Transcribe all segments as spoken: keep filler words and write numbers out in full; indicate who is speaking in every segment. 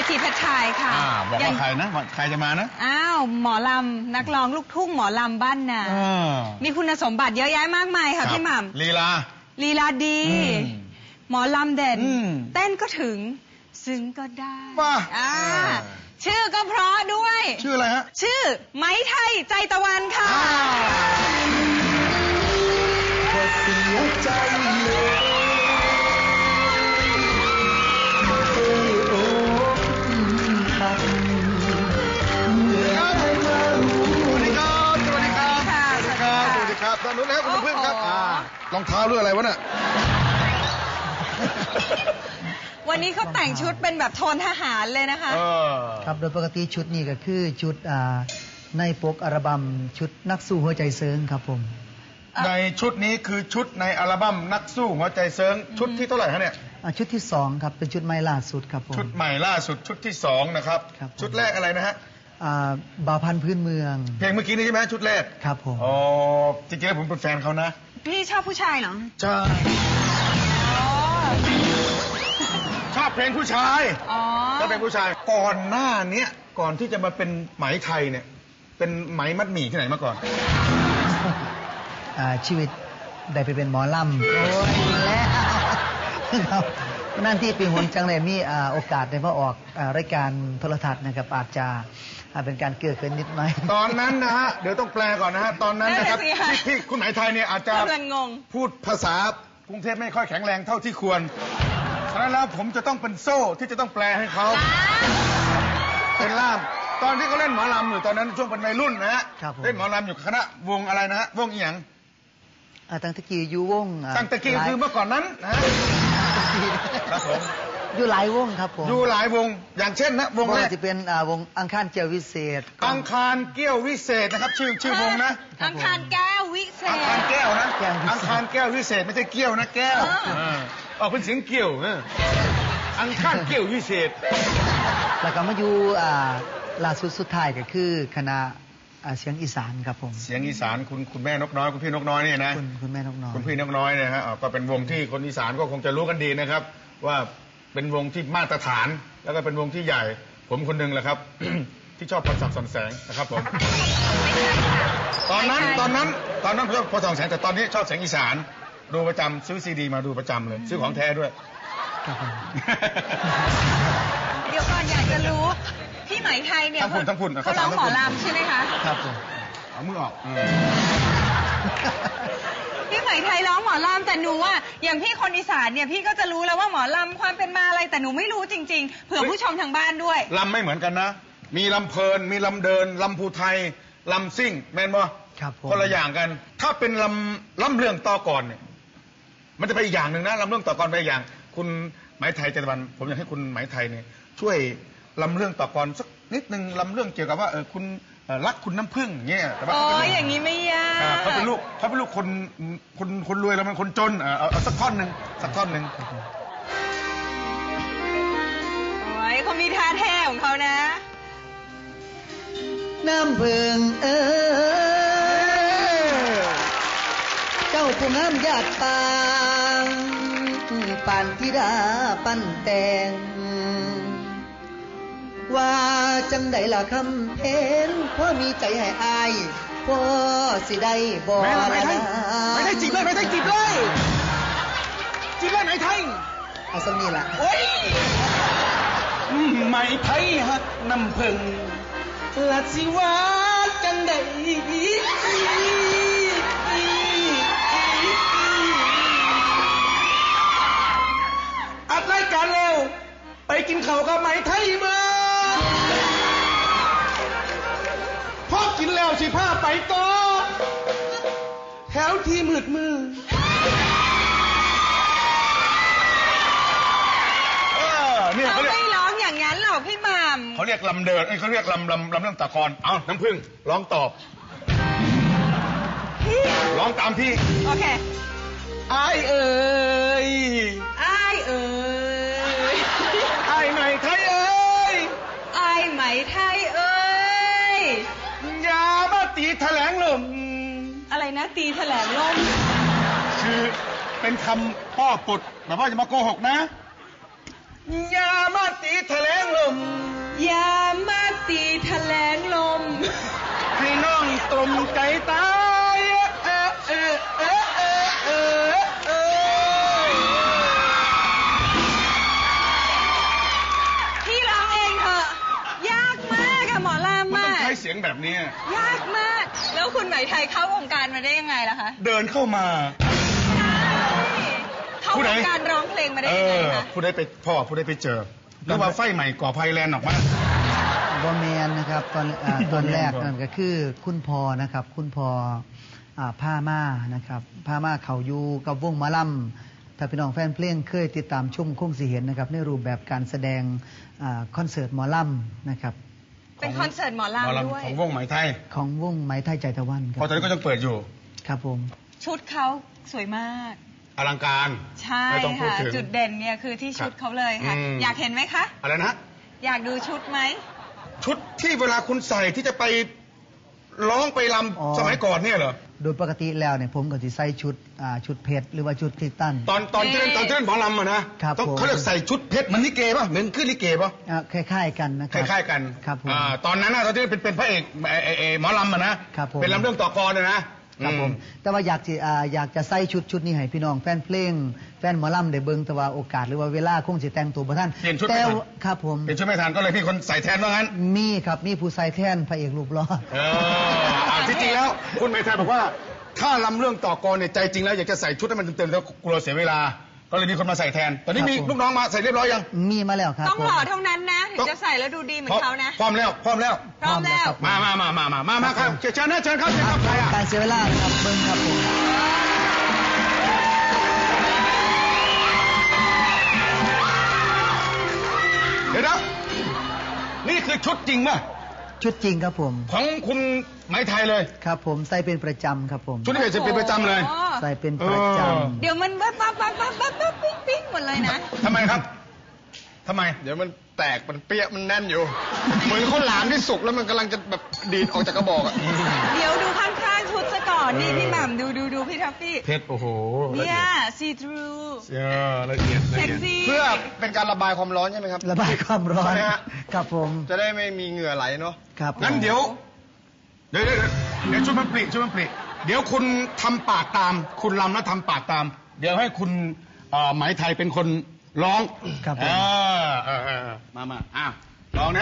Speaker 1: ศรีเพชรชายค่ะ
Speaker 2: บอกว่าใครนะใครจะมานะ
Speaker 1: อ้าวหมอลำนักร้องลูกทุ่งหมอลำบ้านนามีคุณสมบัติเยอะแยะมากมายค่ะพี่หม่ำ
Speaker 2: ลีลา
Speaker 1: ลีลาดีหมอลำเด่นเต้นก็ถึงซึ้งก็ได้อ่าชื่อก็เพราะด้วย
Speaker 2: ชื่ออะไรฮะ
Speaker 1: ชื่อไม้ไทยใจตะวันค่ะ
Speaker 3: เสียใจเลยโอ้โอ้คันเมื่อได้มารู้
Speaker 2: สวัสดีครับสวัสดีครับสวัสดีครับสวัสดีครับตอนนู้นแล้วคุณเพื่อนครับรองเท้าเรื่องอะไรวะเนี่ย
Speaker 1: วันนี้เขาแต่งชุดเป็นแบบโทนทหารเลยนะคะ
Speaker 3: ครับโดยปกติชุดนี้ก็คือชุดในปกอัลบั้มชุดนักสู้หัวใจเซิงครับผม
Speaker 2: ในชุดนี้คือชุดในอัลบั้มนักสู้หัวใจเซิงชุดที่เท่าไหร่ฮะเนี่ย
Speaker 3: ชุดที่สองครับเป็นชุดใหม่ล่าสุดครับผม
Speaker 2: ชุดใหม่ล่าสุดชุดที่สองนะครับชุดแรกอะไรนะฮะ
Speaker 3: บ่าวพันธุ์พื้นเมือง
Speaker 2: เพลงเมื่อกี้นี้ใช่ไหมชุดแรก
Speaker 3: ครับผม
Speaker 2: อ๋อจริงๆแล้วผมเป็นแฟนเขานะ
Speaker 1: พี่ชอบผู้ชายเหรอ
Speaker 2: ใช่ชอบเพลงผู้ชายชอบเพลงผู้ชายก่อนหน้านี้ก่อนที่จะมาเป็นไหมไทยเนี่ยเป็นไหมมัดหมี่ที่ไหนมาก่อน
Speaker 3: ชีวิตได้ไปเป็นหมอลำโอ้ยแล้วนั่นที่ปีหนจังเลยมีโอกาสได้มาออกรายการโทรทัศน์นะครับอาจจะเป็นการเกื้อเกินนิดหน่อย
Speaker 2: ตอนนั้นนะฮะเดี๋ยวต้องแปลก่อนนะฮะตอนนั้นนะครับที่คุณไหมไทยเนี่ยอาจจะพูดภาษากรุงเทพไม่ค่อยแข็งแรงเท่าที่ควรฉะนั้นแล้วผมจะต้องเป็นโซ่ที่จะต้องแปลให้เขาเป็นล่ามตอนที่เขาเล่นหมอลำอยู่ตอนนั้นช่วงเป็นวัยรุ่นนะฮะเล่นหมอลำอยู่คณะวงอะไรนะฮะวงอีหยัง
Speaker 3: ตั้งตะกี้อยู่วง
Speaker 2: ตั้งตะกี้คือเมื่อก่อนนั้นนะครับผม
Speaker 3: อยู่หลายวงครับผม
Speaker 2: อยู่หลายวงอย่างเช่นนะวงแรก
Speaker 3: จะเป็นวงอังคารแก้ววิเศษ
Speaker 2: อังคารแก้ววิเศษนะครับชื่อชื่อวงนะ
Speaker 1: อังคารแก้ววิเศษ
Speaker 2: อังคารแก้วนะอังคารแก้ววิเศษไม่ใช่เกี้ยวนะแก้วออกเป็นเสียงเกี้ยวอังคารแก้ววิเศษ
Speaker 3: แล้วก็มาอยู่ล่าสุดสุดท้ายก็คือคณะเสียงอีสานครับผม
Speaker 2: เสียงอีสานคุณคุณแม่นกน้อยคุณพี่นกน้อยเนี่ยนะ
Speaker 3: คุณคุณแม่นกน้อย
Speaker 2: คุณพี่นกน้อยเนี่ยฮะก็เป็นวงที่คนอีสานก็คงจะรู้กันดีนะครับว่าเป็นวงที่มาตรฐานแล้วก็เป็นวงที่ใหญ่ผมคนหนึ่งแหละครับ ที่ชอบพรศักดิ์สอนแสงนะครับผมตอนนั้นตอนนั้นตอนนั้นชอบพรศักดิ์สอนแสงแต่ตอนนี้ชอบเสียงอีสานดูประจำซื้อซีดีมาดูประจำเลยซื้อของแท้ด้วย
Speaker 1: เดี๋ยวก่อนอยากจะรู้พี่ไหมไทยเนี่ยเขาร้องหมอลำใช่ไหมคะ
Speaker 3: ครับผม
Speaker 2: เอามือออก
Speaker 1: พี่ไหมไทยร้องหมอลำแต่หนูอ่ะอย่างพี่คนอีสานเนี่ยพี่ก็จะรู้แล้วว่าหมอลำความเป็นมาอะไรแต่หนูไม่รู้จริงๆเผื่อผู้ชมทางบ้านด้วย
Speaker 2: ลำไม่เหมือนกันนะมีลำเพลินมีลำเดินลำภูไทยลำซิ่งแมนบ่
Speaker 3: ครับ
Speaker 2: คนละอย่างกันถ้าเป็นลำลำเรื่องต่อก่อนเนี่ยมันจะไปอีกอย่างหนึ่งนะลำเรื่องต่อก่อนไปอีกอย่างคุณไหมไทยเจตวันผมอยากให้คุณไหมไทยเนี่ยช่วยลำเรื่องต่อก่อนสักนิดนึงลำเรื่องเกี่ยวกับว่าเออคุณรักคุณน้ำผึ้งเงี้ย
Speaker 1: แต่ว่าโอ้ยอย่างนี้ไม่ยาก
Speaker 2: เขาเป็นลูกเขาเป็นลูกคนคนคนรวยแล้วมันคนจนเอาเอาสักท่อนหนึ่งสักท่อนหนึ่ง
Speaker 1: โอ้ยเขามีท่าแท้ของเขานะ
Speaker 3: น้ำผึ้งเออเจ้าผู้งามญาติปางปานธิดาปั้นแต่งว่าจังใดล่ะคำเพนพ่อมีใจให้อายพ่อสิได้บ่
Speaker 2: ละไม่ได้ไม่ได้จีบเลยไม่ได้จีบเลยจีบเลยไหมไทย
Speaker 3: เอาสักนี่ล่ะ
Speaker 2: โอ้ยไหมไทยฮักน้ำผึ้งละสิว่าจังใดอัดรายการแล้วไปกินข้าวกับไหมไทยมาพอกินแล้วสิพาไปต่อแถวที่มืดมืด
Speaker 1: เขาไม่ร้องอย่างนั้นหรอกพี่หม่ำ
Speaker 2: เขาเรียกลำเดินเขาเรียกลำลำลำเรื่องตะกอนเอาน้ำผึ้งร้องตอบ
Speaker 1: พี่
Speaker 2: ร้องตามพี่
Speaker 1: โอเค
Speaker 2: ไอ้เอ๋ย
Speaker 1: ไอ้เอ๋ย
Speaker 2: ไอ้ไหมไทยเอ๋ย
Speaker 1: ไอ้ไหมไทยเอ๋ย
Speaker 2: อย่ามาตีแถลงลม
Speaker 1: อะไรนะตีแถลงลม
Speaker 2: คือเป็นคำพ่อปุดแบบว่าจะมาโกหกนะยามาตีแถลงลม
Speaker 1: ยามาตีแถลงลม
Speaker 2: ให้น้องตรมใจตายเออเออเออเออเออเออ
Speaker 1: พี่ร้องเองเถอะ ยากมากอะหมอลำ
Speaker 2: มัน
Speaker 1: อะ
Speaker 2: ต้องใช้เสียงแบบนี้
Speaker 1: ยากมาก แล้วคุณไหมไทยเข้าวงการมาได้ยังไงล่ะคะ
Speaker 2: เดินเข้ามา
Speaker 1: เข้าวงการร้องเพลงมาได้
Speaker 2: เอ
Speaker 1: ยังไง
Speaker 2: อ
Speaker 1: คะ
Speaker 2: ผู้ใดไปพ่อผู้ใดไปเจอหรือว่าไฟใหม่ก่อภัยแลนด์ออกมา
Speaker 3: บอแมนนะครับตอนอ่าตอนแรกนั่นก็คือคุณพอนะครับ คุณพออ่าผ้าม่านะครับผ้าม่าเขาอยู่กับวงหมอลำถ้าพี่น้องแฟนเพลงเคยติดตามชมคงสิเห็นนะครับในรูปแบบการแสดงอ่าคอนเสิร์ตหมอลำนะครับ
Speaker 1: เป็นคอนเสิร์ตหมอ
Speaker 2: หมอ
Speaker 1: ลำด้วย
Speaker 2: ลำของวงไหมไทย
Speaker 3: ของวงไหมไทยใจตะวันค
Speaker 2: เพ
Speaker 3: รับ
Speaker 2: ราะตอนนี้ก็ยังเปิดอยู่
Speaker 3: ครับผม
Speaker 1: ชุดเขาสวยมาก
Speaker 2: อลังการ
Speaker 1: ใช่
Speaker 2: ไม่ต้องพูด
Speaker 1: ค่ะ
Speaker 2: ถึง
Speaker 1: จุดเด่นเนี่ยคือที่ชุด
Speaker 2: ครับ
Speaker 1: เขาเลยค่ะ
Speaker 2: อืม
Speaker 1: อยากเห็นไหมคะ
Speaker 2: อะไรนะ
Speaker 1: อยากดูชุดไหม
Speaker 2: ชุดที่เวลาคุณใส่ที่จะไปร้องไปร
Speaker 3: อ๋อ
Speaker 2: ำสมัยก่อนเนี่ยเหรอ
Speaker 3: โดยปกติแล้วเนี่ยผมก็จะใส่ชุดอ่าชุดเพชรหรือว่าชุดคริสตัน
Speaker 2: ตอนตอนที่เล่นตอนที่เล่นหมอลำอะนะครับ ต้อง
Speaker 3: ผม
Speaker 2: เขาเรียกใส่ชุดเพชรเหมันลิเกป่ะเหมือนขึ้นลิเกป่ะ
Speaker 3: อ่าคล้ายๆกันนะค
Speaker 2: ครับ ล้ายๆกัน
Speaker 3: ครับผม
Speaker 2: อ่าตอนนั้นนะตอนที่เป็นเป็นพระเอกเอ่อเอ่อเอ่อหมอลำอะนะครับ
Speaker 3: ผม
Speaker 2: เป็นลำเรื่องต่อกรเนี่ยนะครับ
Speaker 3: ผม
Speaker 2: อื
Speaker 3: แต่ว่าอยากจะอ่าอยากจะใส่ชุดชุดนี้ให้พี่น้องแฟนเพลงแฟนหมอลำได้เบิ่งแต่ว่าโอกาสหรือว่าเวลาคงสิแต่งตัวบ่ทัน
Speaker 2: เปลี่ยนชุด
Speaker 3: แต่
Speaker 2: ไม่ทัน
Speaker 3: ว่าครับผม
Speaker 2: เป็นชุดไม่ทันก็เลยพี่คนใส่แทนว่างั้น
Speaker 3: มีครับมีผู้ใส่แทนพระเอกรูปหล่อ
Speaker 2: เอออ่าที่จริงแล้วคุณเมธาบอกว่า ถ้าลำเรื่องต่อกรเนี่ยใจจริงแล้วอยากจะใส่ชุดให้มันเต็มๆแล้วกลัวเสียเวลา ก็เลยมีคนมาใส่แทน ตอนนี้มีลูกน้องมาใส่เรียบร้อยยัง
Speaker 3: มีมาแล้วครับ
Speaker 1: ต้อง
Speaker 3: ผม
Speaker 1: หล่อเท่านั้นนะ ถึงจะใส่แล้วดูดีเหมือนเขานะ
Speaker 2: พร้อมแล้วพร้อมแล้ว
Speaker 1: พร้อมแล้ว
Speaker 2: มามามามามามามาครับเชิญนะเชิญครับเชิญครับใครอ่ะ
Speaker 3: การเสียเวลานะครับเบิ่งครับผม
Speaker 2: เดี๋ยวนะนี่คือชุดจริงป่ะ
Speaker 3: ชุดจริงครับผม
Speaker 2: ของคุณไหมไทยเลย
Speaker 3: ครับผมใส่เป็นประจำครับผม
Speaker 2: ชุดนี้เป็นเป็นประจำเลย
Speaker 1: โอ้โห
Speaker 3: ใส่เป็นประจ
Speaker 2: เออ
Speaker 3: ำ
Speaker 1: เดี๋ยวมันปั๊บปั๊บปั๊บปั๊บปั๊บปั๊บปิ๊งปิ๊งหมดเลยนะ
Speaker 2: ทำไมครับทำไม
Speaker 4: เดี๋ยวมันแตกมันเปี้ยมันแน่นอยู่ เหมือนข้าวหลามที่สุกแล้วมันกำลังจะแบบดีดออกจากกระบอกอะ
Speaker 1: เดี๋ยวดูข้างๆชุดซะก่อนนี่พี่หม่ำดูดูดูพี่ทัฟฟี่
Speaker 2: เพชรโอ้โหละ
Speaker 1: เนี่
Speaker 2: เอี
Speaker 1: ย
Speaker 2: ยด
Speaker 1: ซีทรู
Speaker 2: เออละเอียดละ
Speaker 1: เซ็ก
Speaker 2: เอียด
Speaker 1: ซี่
Speaker 4: เพื่อเป็นการระบายความร้อนใช่ไหมครับ
Speaker 3: ระบายความร้อน
Speaker 4: ใช่ไหมฮะ
Speaker 3: ครับผม
Speaker 4: จะได้ไม่มีเหงื่อไหลเนาะ
Speaker 3: ครับผม
Speaker 2: งั้นเดี๋ยว เดี๋ยวเดี๋ยวเดี๋ยวช่วยมันปลีช่วยมันปลีเดี๋ยวคุณทำปากตาม คุณลำแล้วทำปากตาม เดี๋ยวให้คุณเอ่อไหมไทยเป็นคนร้อง
Speaker 3: ครับผม
Speaker 2: เออเออเออเออมามาอ่ะร้องนะ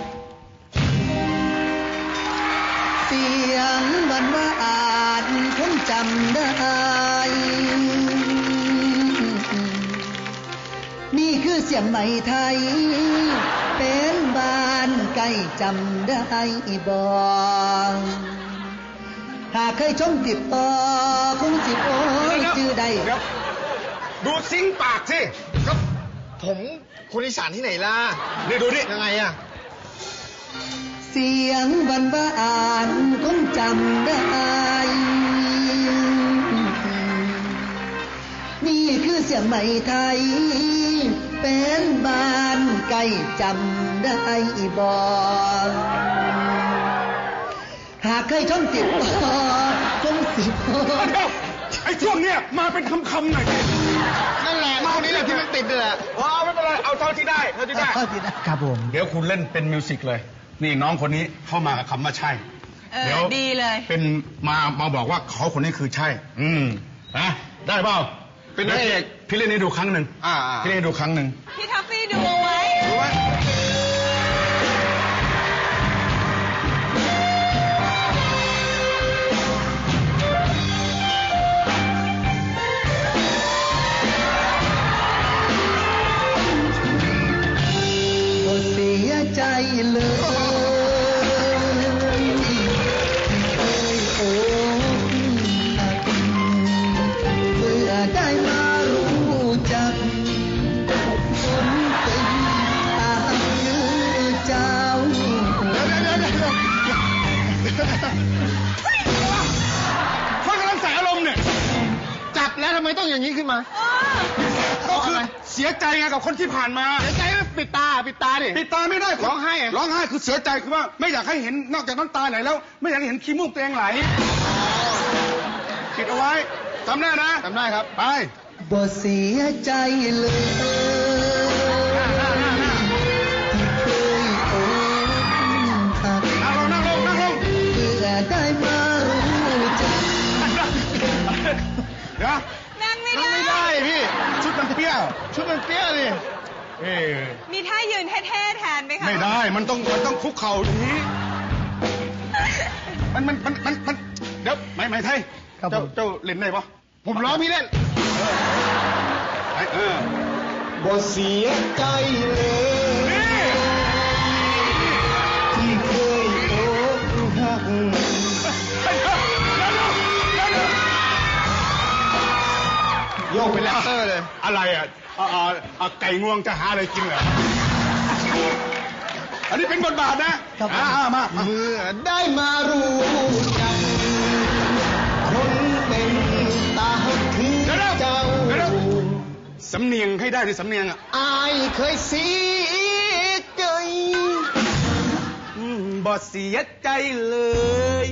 Speaker 3: เสียงวันว่าอาจคงจำได้ นี่คือเสียงไหมไทย เป็นบ้านใกล้จำได้บ่หากเคยชมติดต่อคงจิบโอ้ยชื่อใด
Speaker 2: เดี๋ยวดูซิงค์ปากสิ
Speaker 4: ก็ผมคนอีสานที่ไหนล่ะ
Speaker 2: นี่ดูนี่
Speaker 4: ยังไงอะ
Speaker 3: เสียงวันว่าอ่านคงจำได้ นี่คือเสียงไหมไทย เป็นบ้านใกล้จำได้บ่หากเคยท่องติดต่อคงสิบ
Speaker 2: เดี๋ยวไอ้ช่วงเนี้ยมาเป็นคำคำๆหน่อยดิ
Speaker 4: นั่นแหละตรงนี้แหละที่มันติดนี่แหละ
Speaker 2: อ๋อไม่เป็นไรเอาเท่าที่ได้เท่าที่ได้
Speaker 3: ครับผม
Speaker 2: เดี๋ยวคุณเล่นเป็นมิวสิกเลย นี่น้องคนนี้เข้ามากับคำว่าใช่
Speaker 1: เออ
Speaker 2: เดี๋ยว
Speaker 1: ดีเลย
Speaker 2: เป็นมามาบอกว่าเขาคนนี้คือใช่ อืมนะได้เปล่า
Speaker 4: เป็นพระเอก
Speaker 2: พี่เล่นให้ดูครั้งหนึ่ง
Speaker 4: อ่าอ่า
Speaker 2: พี่เล่นให้ดูครั้งหนึ่ง
Speaker 1: พี่ทัฟฟี่ดูเอาไว้
Speaker 4: รู้ไหม
Speaker 3: บ่เสียใจเลยเคยอกหักเมื่อได้มารู้จักคนเป็นตามยือเจ้า
Speaker 2: คนกำลังใส่อารมณ์เนี่ย
Speaker 4: จับแล้วทำไมต้องอย่างนี้ขึ้นมา
Speaker 2: ก็คือเสียใจไงกับคนที่ผ่านมา
Speaker 4: เสียใจไหมปิดตาปิดตาดิ
Speaker 2: ปิดตาไม่ได้
Speaker 4: ร้องไห้อะ
Speaker 2: ร้องไห้คือเสียใจคือว่าไม่อยากให้เห็นนอกจากน้ำตาไหลแล้ว ไม่อยากให้เห็นขี้มูกตัวเองไหลปิดเอาไว้จำได้นะ
Speaker 4: จำได้ครับ
Speaker 2: ไป
Speaker 3: บ่เสียใจเลย
Speaker 4: ชุดมันเปี้ยดิ
Speaker 2: เอ๊ะ
Speaker 1: มีท่ายืนเท่ๆแทนไหมคะ
Speaker 2: ไม่ได้มันต้องมันต้องคุกเข่าดีมันมันมันมันมันเดี๋ยวไหมไหมไทยเจ้าเจ้าเล่นได้ปะ
Speaker 4: ผมร้องพี่เล่น
Speaker 2: เออ
Speaker 5: บ่เสียใจเลยที่เคยโอ้หัก
Speaker 2: โยกไปแล้วเตอร์เลยอะไรอ่ะอ่าไก่งวงจะหาอะไรกินเหรออันนี้เป็นบทบาทนะอ่ามา
Speaker 5: เมื่อได้มารู้จักคนเป็นตาคือเจ้า
Speaker 2: สำเนียงให้ได้ดิสำเนียงอ่ะ
Speaker 5: อายเคยเสียใจ
Speaker 2: บ่เสียใจเลย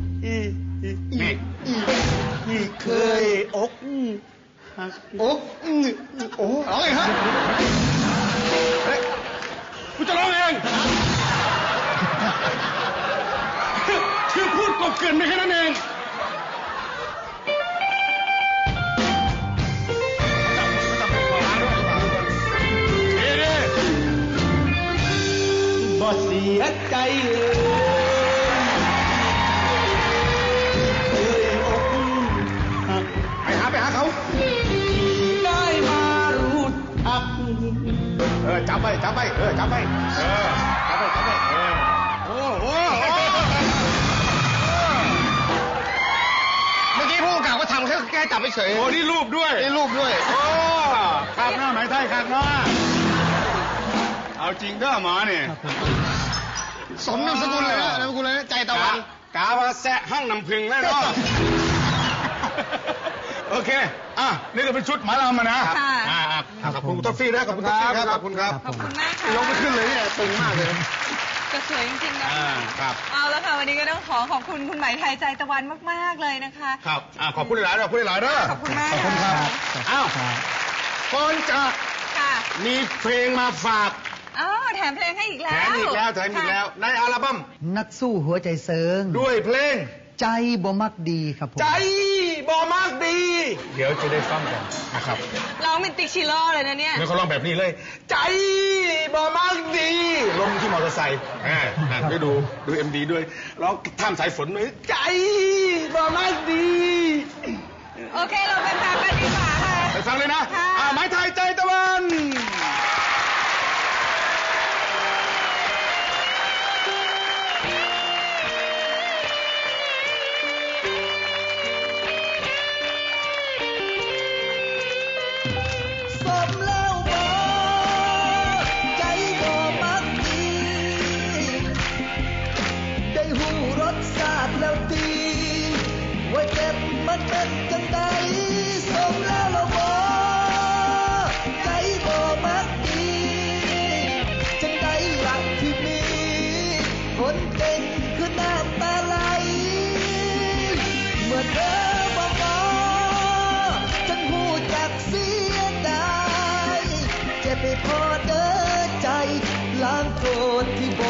Speaker 2: นี่เคยอก
Speaker 5: อกโอ้
Speaker 2: ร้องเองฮะกูจะร้องเองคือพูดกบเกินไม่แค่นั้นเอง
Speaker 5: บ่เสียใจเลยเคยอกหัก
Speaker 2: ไปหาไปหาเขา
Speaker 5: ได้มารู้ทัก
Speaker 2: เออจับไปจับไปเออจับไปเออจับไปจับไปเออโอ้โห
Speaker 4: เมื่อกี้ผู้กำกับก็ทำแค่แค่จับไปเฉย
Speaker 2: โอ้นี่รูปด้วย
Speaker 4: นี่รูปด้วย
Speaker 2: โอ้ขากหน้าหมายไทยขากหน้าเอาจริงเด้อหมาเนี่ย
Speaker 4: สมนามสกุลเลยนะนามสกุลเลยนะใจตะวัน
Speaker 2: กาว่าแซะห้องน้ำพึ่งแน่นอนโอเคอ่ะนี่ก็เป็นชุดหมาลำมานะ
Speaker 1: ค่ะ
Speaker 2: ขอบคุณท็อฟฟี่นะขอบคุณท็อฟฟี่ครับขอบคุณครับ
Speaker 1: ขอบคุณมากค่ะ
Speaker 2: ลงไปขึ้นเลยเนี่ยตึงมากเลย
Speaker 1: ก็สวยจริงๆนะครับเอาแล้วค่ะวันนี้ก็ต้องขอขอบคุณคุณไหมไทยใจตะวันมากๆเลยนะคะ
Speaker 2: ครับอ่าขอบคุณหลายๆขอบคุณหลายๆเด้อ
Speaker 1: ขอบคุณมาก
Speaker 2: ขอบคุณครับอ้าวก่อนจะมีเพลงมาฝาก
Speaker 1: อ๋อแถมเพลงให้อีกแล้ว
Speaker 2: แถมอีกแล้วแถมอีกแล้วในอัลบั้ม
Speaker 3: นักสู้หัวใจเซิง
Speaker 2: ด้วยเพลง
Speaker 3: ใจบ่มักดีครับผม
Speaker 2: ใจบ่มักดีเดี๋ยวจะได้ฟังกันนะครับ
Speaker 1: ร้องเป็นติ๊กชิโร่เลยนะเนี่ย
Speaker 2: เนี่ยเขาร้องแบบนี้เลยใจบ่มักดีลงที่มอเตอร์ไซค์อ่าได้ดูดูเอ็มดีด้วยร้องท่ามสายฝนด้วยใจบ่มักดี
Speaker 1: โอเคเราไปฟังกันดีกว่าค่ะ
Speaker 2: ไปฟังเลยนะอ่าไม้ไทยใจตะวัน
Speaker 5: แล้วตีว่าเจ็บมันเป็นจังใดสมแล้วละบ่ใจบ่มักดีจังใดหลักที่มีคนเป็นคือน้ำตาไหลเมื่อเธอบอกว่าฉันหูจักเสียดายเจ็บไปพอเด้อใจล้างโกรธที่บ่